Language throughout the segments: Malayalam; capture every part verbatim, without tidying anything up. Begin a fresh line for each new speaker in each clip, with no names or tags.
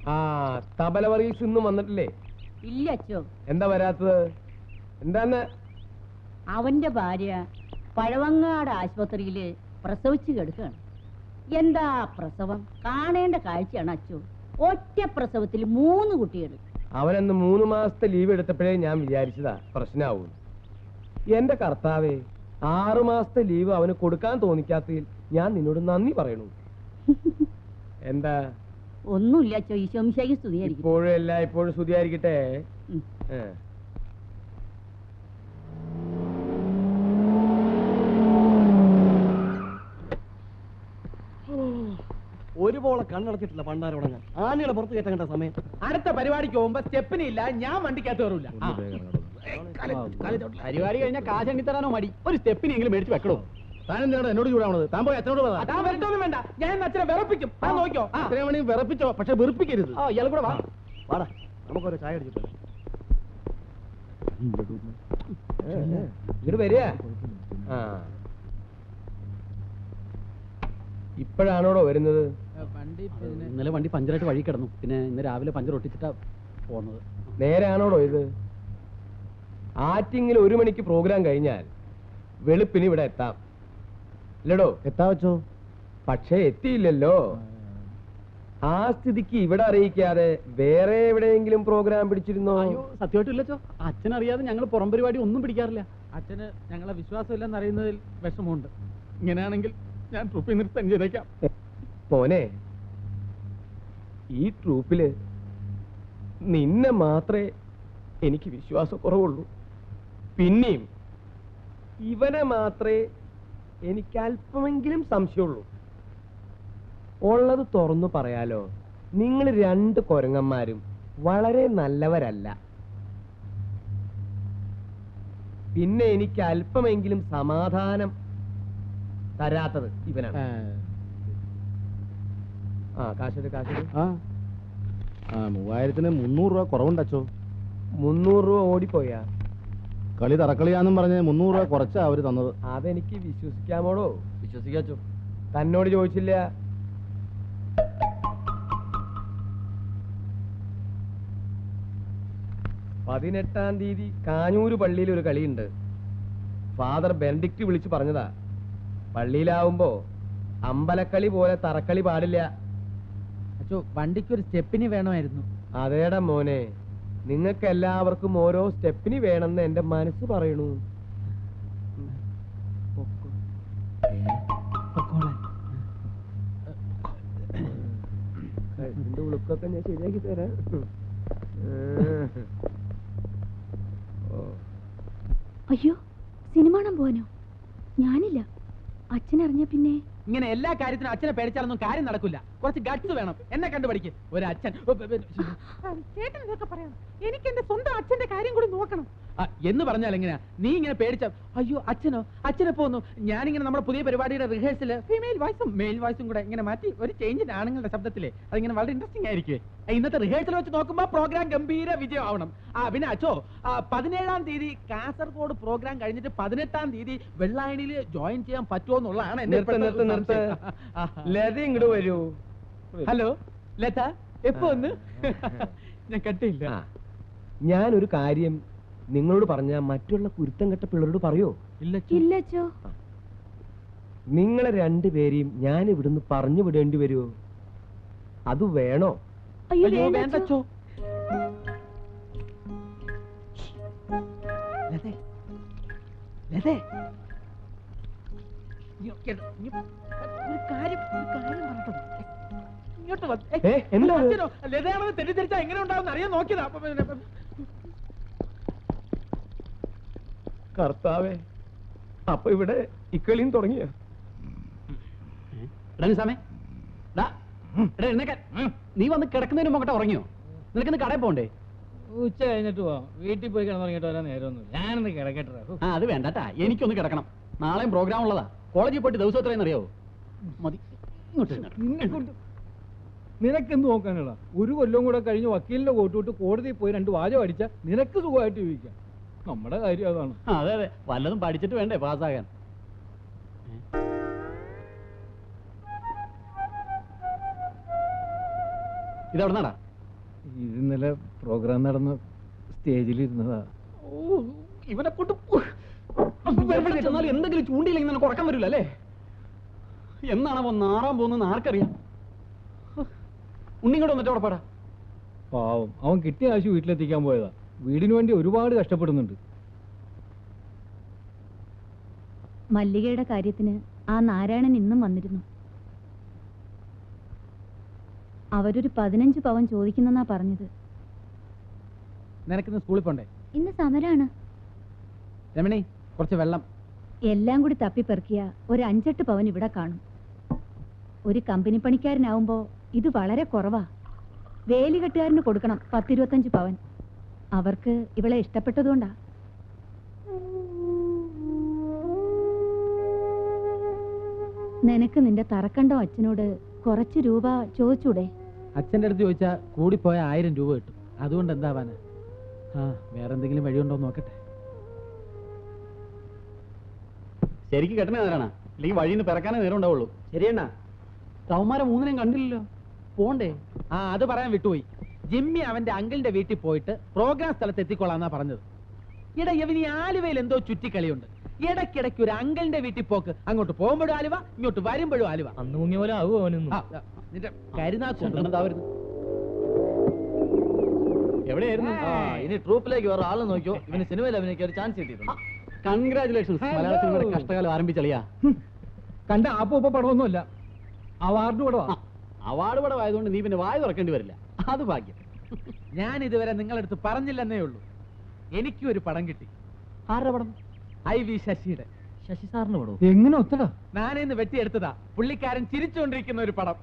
ആ തബല വർഗീസ് ഇന്നും വന്നിട്ടില്ലേ?
ഇല്ല അച്ചോ.
എന്താ വരാത്തത്? എന്താന്ന്?
അവന്റെ ഭാര്യ പഴവങ്ങാട് ആശുപത്രിയില് പ്രസവിച്ചു കിടക്കുകയാണ്. എന്താ പ്രസവം, കാണേണ്ട കാഴ്ചയാണ് അച്ചോ. ഒറ്റ പ്രസവത്തിൽ മൂന്ന് കുട്ടികൾ.
അവനന്ന് മൂന്ന് മാസത്തെ ലീവ് എടുത്തപ്പോഴേ ഞാൻ വിചാരിച്ചതാ പ്രശ്നമാവും. എന്റെ കർത്താവേ, ആറു മാസത്തെ ലീവ് അവന് കൊടുക്കാൻ തോന്നിക്കാത്തതിൽ ഞാൻ നിന്നോട് നന്ദി പറയണു. എന്താ?
ഒന്നുമില്ല അച്ചോ, ഈശോമിശിഹായ്ക്ക് സ്തുതിയായിരിക്കും.
ഇപ്പോഴും അല്ല, ഇപ്പോഴും സ്തുതിയായിരിക്കട്ടെ.
ഒരുപോലെ കണ്ണടച്ചിട്ടില്ല പണ്ടാരോടങ്ങാൻ. ആനയുടെ പുറത്ത് കയറ്റേണ്ട സമയം.
അടുത്ത പരിപാടിക്ക് പോകുമ്പോ സ്റ്റെപ്പിന് ഇല്ല, ഞാൻ വണ്ടിക്കകത്ത് കയറൂല. പരിപാടി കഴിഞ്ഞാൽ കാശ് തരാനോ മടി, ഒരു സ്റ്റെപ്പിനെങ്കിലും മേടിച്ച് വെക്കണോ?
താൻ എന്തിനാണ് എന്നോട് ചൂടാവണത്? താൻ പോയി അച്ഛനോട് പറ.
താൻ വരട്ടൊന്നും വേണ്ട, ഞാൻ അച്ഛനെ വിറപ്പിക്കും. ആ നോക്കിയോ,
ഇത്രയും വേണമെങ്കിൽ വിറപ്പിച്ചോ, പക്ഷെ വെറുപ്പിക്കരുത്.
ആ ഇയാൾ കൂടെ വാ.
വാടാ, നമുക്കൊരു ചായ അടിച്ചിട്ട്
ഇങ്ങോട്ട് വരിക. ആ ഇപ്പോഴാണോടോ വരുന്നത്?
ഇന്നലെ വണ്ടി പഞ്ചറായിട്ട് വഴി കിടന്നു, പിന്നെ ഇന്ന് രാവിലെ പഞ്ചർ ഒട്ടിച്ചിട്ടാ പോകുന്നത്.
നേരെയാണോടോ ഇത്? ആറ്റിങ്ങിൽ ഒരു മണിക്ക് പ്രോഗ്രാം കഴിഞ്ഞാൽ വെളുപ്പിന് ഇവിടെ എത്താം അല്ലടോ?
എത്താ വെച്ചോ?
പക്ഷേ എത്തിയില്ലല്ലോ. ആ സ്ഥിതിക്ക് ഇവിടെ അറിയിക്കാതെ വേറെ എവിടെയെങ്കിലും പ്രോഗ്രാം പിടിച്ചിരുന്നോ?
അയ്യോ സത്യമായിട്ടും ഇല്ലച്ചോ, അച്ഛനറിയാതെ ഞങ്ങൾ പുറം പരിപാടി ഒന്നും പിടിക്കാറില്ല. അച്ഛന് ഞങ്ങളെ വിശ്വാസമില്ലെന്ന് അറിയുന്നതിൽ വിഷമമുണ്ട്. ഇങ്ങനെയാണെങ്കിൽ ഞാൻ ട്രൂപ്പിൽ നിർത്താൻ ചെയ്തേക്കാം.
മോനെ, ഈ ട്രൂപ്പില് നിന്നെ മാത്രമേ എനിക്ക് വിശ്വാസക്കുറവുള്ളൂ. പിന്നെയും ഇവനെ മാത്രമേ എനിക്ക് അല്പമെങ്കിലും സംശയമുള്ളൂ. ഉള്ളത് തുറന്നു പറയാലോ, നിങ്ങൾ രണ്ട് കൊരങ്ങന്മാരും വളരെ നല്ലവരല്ല. പിന്നെ എനിക്ക് അല്പമെങ്കിലും സമാധാനം തരാത്തത് ഇവനാണ്. ആ കാശ് കാശ്
ആ മൂവായിരത്തിന് മുന്നൂറ് രൂപ കുറവുണ്ടച്ചോ.
മുന്നൂറ് രൂപ ഓടിപ്പോയാ?
കളി തറക്കളിയാന്നും പറഞ്ഞ് മുന്നൂറ് രൂപ കുറച്ചാ അവര് തന്നത്.
അതെനിക്ക് വിശ്വസിക്കാമോടോ?
വിശ്വസിക്കാച്ചോ.
തന്നോട് ചോദിച്ചില്ല. പതിനെട്ടാം തീയതി കാഞ്ഞൂര് പള്ളിയിൽ ഒരു കളിയുണ്ട്. ഫാദർ ബെനഡിക്റ്റ് വിളിച്ചു പറഞ്ഞതാ. പള്ളിയിലാവുമ്പോ അമ്പലക്കളി പോലെ തറക്കളി പാടില്ല.
അച്ചോ, വണ്ടിക്കൊരു സ്റ്റെപ്പിന് വേണമായിരുന്നു.
അതേടാ മോനെ, നിങ്ങൾക്ക് എല്ലാവർക്കും ഓരോ സ്റ്റെപ്പിന് വേണമെന്ന് എന്റെ മനസ്സ് പറയണു. ഇതിന്റെ ഉളുക്കൊക്കെ ഞാൻ ശരിയാക്കി തരാം.
അയ്യോ, സിനിമ കാണാൻ പോവാനോ? ഞാനില്ല. അച്ഛനറിഞ്ഞ പിന്നെ
ഇങ്ങനെ എല്ലാ കാര്യത്തിനും അച്ഛനെ പേടിച്ചാലൊന്നും കാര്യം നടക്കില്ല. കുറച്ച് ഗട്സ് വേണം. എന്നെ കണ്ടുപഠിക്ക്. ഒരു അച്ഛൻ
ചേട്ടൻ ഇതൊക്കെ പറയാം. എനിക്ക് എന്റെ സ്വന്തം അച്ഛന്റെ കാര്യം കൂടി നോക്കണം
എന്ന് പറഞ്ഞാൽ എങ്ങനെയാ? നീ ഇങ്ങനെ പേടിച്ച അയ്യോ അച്ഛനോ അച്ഛനെ പോന്നു. ഞാനിങ്ങനെ നമ്മുടെ പുതിയ പരിപാടിയുടെ റിഹേഴ്സല് ഫീമെയിൽ വോയിസും മെയിൽ വോയിസും കൂടെ ഇങ്ങനെ മാറ്റി ഒരു ചേഞ്ചിന് ആണുങ്ങളുടെ ശബ്ദത്തില് അതിങ്ങനെ വളരെ ഇൻട്രസ്റ്റിംഗ് ആയിരിക്കും. ഇന്നത്തെ റിഹേഴ്സൽ വെച്ച് നോക്കുമ്പോ പ്രോഗ്രാം ഗംഭീര വിജയം ആവണം. ആ പിന്നെ അച്ഛോ, പതിനേഴാം തീയതി കാസർഗോഡ് പ്രോഗ്രാം കഴിഞ്ഞിട്ട് പതിനെട്ടാം തീയതി വെള്ളായണിയിൽ ജോയിൻ ചെയ്യാൻ പറ്റുമോ എന്നുള്ളതാണ് എന്റെ
ലത ഇങ്ങോട്ട് വരൂ.
ഹലോ ലത, എപ്പോ ഒന്ന്? ഞാൻ കട്ടില്ല.
ഞാനൊരു കാര്യം നിങ്ങളോട് പറഞ്ഞ മറ്റുള്ള കുരുത്തം കെട്ട പിള്ളേരോട് പറയോ?
ഇല്ലച്ചോ.
നിങ്ങളെ രണ്ടുപേരെയും ഞാൻ ഇവിടുന്ന് പറഞ്ഞു വിടേണ്ടി വരുമോ? അത് വേണോ?
അയ്യോ വേണ്ടച്ചോ. ലതേ ലതേ ഒരു കാര്യം ഒരു കാര്യം പറഞ്ഞോ. ഇങ്ങോട്ട് ലതയാണെന്ന് തെറ്റിദ്ധരിച്ചാ എങ്ങനെ ഉണ്ടാവും അറിയാൻ നോക്കിയതാ.
കർത്താവേ, അപ്പൊ ഇവിടെ ഇക്കളിയും തുടങ്ങിയ
നീ വന്ന് കിടക്കുന്നതിന് മുമ്പ് ഉറങ്ങിയോ? നിനക്കിന്ന് കടയിൽ പോണ്ടേ?
ഉച്ച കഴിഞ്ഞിട്ട് പോവാം. വീട്ടിൽ പോയി കിടന്നുറങ്ങിട്ട് വരാൻ നേരമൊന്നും. ഞാനൊന്ന് കിടക്കട്ടെ.
ആ അത് വേണ്ടട്ടാ, എനിക്കൊന്ന് കിടക്കണം. നാളെയും പ്രോഗ്രാം ഉള്ളതാ. കോളേജിൽ പോയിട്ട് ദിവസം എത്രയെന്ന് അറിയാവോ? മതി.
നിനക്കെന്ത് നോക്കാനുള്ള? ഒരു കൊല്ലം കൂടെ കഴിഞ്ഞ് വക്കീലിന്റെ കോട്ടുവിട്ട് കോടതിയിൽ പോയി രണ്ട് വാചകം അടിച്ച നിനക്ക് സുഖമായിട്ട് ജീവിക്കാം. നമ്മുടെ കാര്യം അതാണ്.
അതെ അതെ, വല്ലതും പഠിച്ചിട്ട് വേണ്ടേ പാസ്സാകാൻ. ഇതെവിടുന്നാടാ?
ഇത് ഇന്നലെ പ്രോഗ്രാം നടന്ന സ്റ്റേജിലിരുന്നതാ.
ഓ ഇവനെ കൊണ്ട് എന്തെങ്കിലും ചൂണ്ടിയില്ലെങ്കിൽ നിനക്ക് ഉറക്കം വരില്ല അല്ലേ? എന്നാണ് അവൻ നാറാൻ പോകുന്നത് ആർക്കറിയാം. ഉണ്ണിങ്ങോട്ട് വന്നിട്ട് ഉറപ്പാടാ.
പാവം, അവൻ കിട്ടിയ കാശ് വീട്ടിലെത്തിക്കാൻ പോയതാ. വീടിന് വേണ്ടി ഒരുപാട് കഷ്ടപ്പെടുന്നുണ്ട്.
മല്ലികയുടെ കാര്യത്തിന് ആ നാരായണൻ ഇന്നും വന്നിരുന്നു. അവരൊരു പതിനഞ്ച് പവൻ ചോദിക്കുന്നെന്നാ പറഞ്ഞത്.
നിനക്കിന്ന് സ്കൂളിൽ പോണ്ടേ?
ഇന്ന് സമരാണ്.
രമണി, കുറച്ച് വെള്ളം.
എല്ലാം കൂടി തപ്പിപ്പെറുക്കിയ ഒരു അഞ്ചെട്ട് പവൻ ഇവിടെ കാണും. ഒരു കമ്പനി പണിക്കാരനാവുമ്പോ ഇത് വളരെ കുറവാ. വേലികെട്ടുകാരന് കൊടുക്കണം പത്തിരുപത്തഞ്ച് പവൻ. അവർക്ക് ഇവളെ ഇഷ്ടപ്പെട്ടതുകൊണ്ടാ. നിനക്ക് നിന്റെ തറക്കണ്ടോ അച്ഛനോട് കുറച്ച് രൂപ ചോദിച്ചൂടെ?
അച്ഛൻ്റെ അടുത്ത് ചോദിച്ചാൽ കൂടിപ്പോയ ആയിരം രൂപ കിട്ടും. അതുകൊണ്ട് എന്താവാന്? ആ വേറെന്തെങ്കിലും വഴിയുണ്ടോ നോക്കട്ടെ.
ശരിക്കും കെട്ടണേ നേരാണ്, അല്ലെങ്കിൽ വഴിയിൽ നിന്ന് പിറക്കാനേ നേരം ഉണ്ടാവുള്ളൂ. ശരിയണ്ണ, തവന്മാരെ മൂന്നിനെയും കണ്ടില്ലല്ലോ. പോണ്ടേ?
ആ അത് പറയാൻ വിട്ടുപോയി. ജിമ്മി അവന്റെ അങ്കിളിന്റെ വീട്ടിൽ പോയിട്ട് പ്രോഗ്രാം സ്ഥലത്ത് എത്തിക്കൊള്ളാന്നാ പറഞ്ഞത്. ഇട ഇവന് ഈ ആലുവയിൽ എന്തോ ചുറ്റിക്കളിയുണ്ട്. ഇടയ്ക്കിടയ്ക്ക് ഒരു അങ്കിളിന്റെ വീട്ടിൽ പോക്ക്. അങ്ങോട്ട് പോകുമ്പോഴും ആലുവ, ഇങ്ങോട്ട് വരുമ്പോഴും ആലുവ.
അന്ന് മുങ്ങിയ പോലെ ആവുമോ അവനൊന്നും?
ആ, ആ, നിന്റെ കരുനാക്കുണ്ട്.
എവിടെയായിരുന്നു?
ഇനി ട്രൂപ്പിലേക്ക് വേറെ ആളെ നോക്കിയോ, ഇവന് സിനിമയിൽ അഭിനയിക്കാൻ ഒരു ചാൻസ് കിട്ടിയിട്ടുണ്ട്.
കൺഗ്രാചുലേഷൻസ്, മലയാള സിനിമയുടെ കഷ്ടകാലം ആരംഭിച്ചളിയാ.
കണ്ട ആപ്പ ഉപ്പ പടമൊന്നുമല്ല, അവാർഡ് പടവാ.
അവാർഡ് പടം ആയതുകൊണ്ട് നീ പിന്നെ വായ തുറക്കേണ്ടി വരില്ല. അത് ഭാഗ്യം.
ഞാൻ ഇതുവരെ നിങ്ങളടുത്ത് പറഞ്ഞില്ലെന്നേ ഉള്ളൂ. എനിക്കും ഒരു പടം കിട്ടി.
ആരുടെ പടം?
ഐ വി ശശിയുടെ.
ശശി സാറിന് പടവും
എങ്ങനെ ഒത്തടാ?
ഞാനിന്ന് വെട്ടിയെടുത്തതാ. പുള്ളിക്കാരൻ ചിരിച്ചുകൊണ്ടിരിക്കുന്ന ഒരു പടം.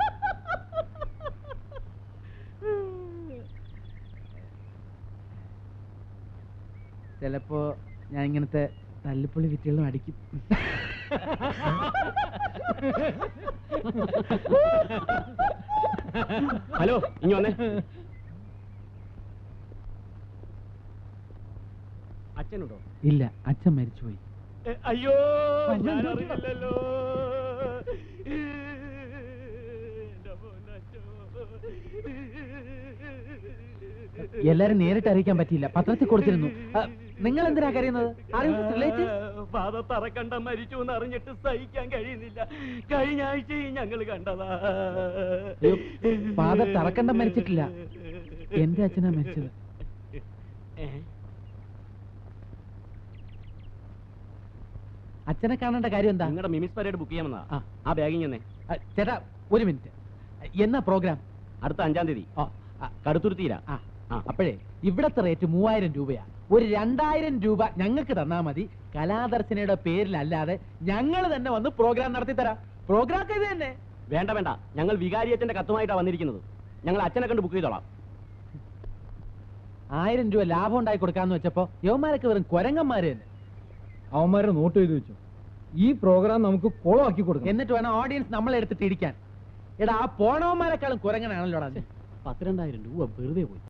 ചിലപ്പോ ഞാൻ ഇങ്ങനത്തെ തല്ലിപ്പുള്ളി വിറ്റുകളും അടിക്കും.
ഹലോ, ഇനി വന്നേ. അച്ഛനുണ്ടോ?
ഇല്ല, അച്ഛൻ മരിച്ചുപോയി.
അയ്യോ, ഞാൻ അറിയില്ലല്ലോ.
എല്ലാരും നേരിട്ട് അറിയിക്കാൻ പറ്റിയില്ല, പത്രത്തിൽ കൊടുത്തിരുന്നു. നിങ്ങൾ എന്തിനാ കരയുന്നത്?
ഫാദർ തറക്കണ്ട മരിച്ചു എന്ന് അറിഞ്ഞിട്ട് സഹിക്കാൻ കഴിയുന്നില്ല. കഴിഞ്ഞ ആഴ്ചയും ഞങ്ങൾ കണ്ടതാ.
ഫാദർ തറക്കണ്ടം മരിച്ചിട്ടില്ല, എന്റെ അച്ഛനാ മരിച്ചത്. അച്ഛനെ കാണേണ്ട കാര്യം എന്താ?
നിങ്ങളുടെ മിമിസ് പരേഡ് ബുക്ക് ചെയ്യാമെന്നാ.
ആ.
ആ ബാഗിങ് തന്നെ.
ആ, ചേട്ടാ ഒരു മിനിറ്റ്. എന്നാ പ്രോഗ്രാം?
അടുത്ത അഞ്ചാം തീയതി
ആ, ആ,
കടുത്തുരുത്തിയില്ല.
ആ, ആ, അപ്പോഴേ ഇവിടത്തെ റേറ്റ് മൂവായിരം രൂപയാ. ഒരു രണ്ടായിരം രൂപ ഞങ്ങൾക്ക് തന്നാ മതി. കലാദർശനയുടെ പേരിലല്ലാതെ ഞങ്ങൾ തന്നെ വന്ന് പ്രോഗ്രാം നടത്തി തരാം. പ്രോഗ്രാം ഒക്കെ ഇത് തന്നെ.
വേണ്ട വേണ്ട, ഞങ്ങൾ വികാരിയച്ഛന്റെ കത്തുമായിട്ടാണ് വന്നിരിക്കുന്നത്. ഞങ്ങൾ അച്ഛനെ കണ്ട് ബുക്ക് ചെയ്തോളാം.
ആയിരം രൂപ ലാഭം ഉണ്ടാക്കി കൊടുക്കാന്ന് വെച്ചപ്പോ യവന്മാരൊക്കെ വെറും കൊരങ്ങന്മാര് തന്നെ.
അവന്മാരെ നോട്ട് ചെയ്ത് വെച്ചു. ഈ പ്രോഗ്രാം നമുക്ക് കുളമാക്കി കൊടുക്കണം.
എന്നിട്ട് വേണം ഓഡിയൻസ് നമ്മളെ എടുത്തിട്ട് ഇരിക്കാൻ. എടാ, ആ പോണവന്മാരെക്കാളും കുരങ്ങനാണല്ലോടാ.
പത്തിരണ്ടായിരം രൂപ വെറുതെ പോയി.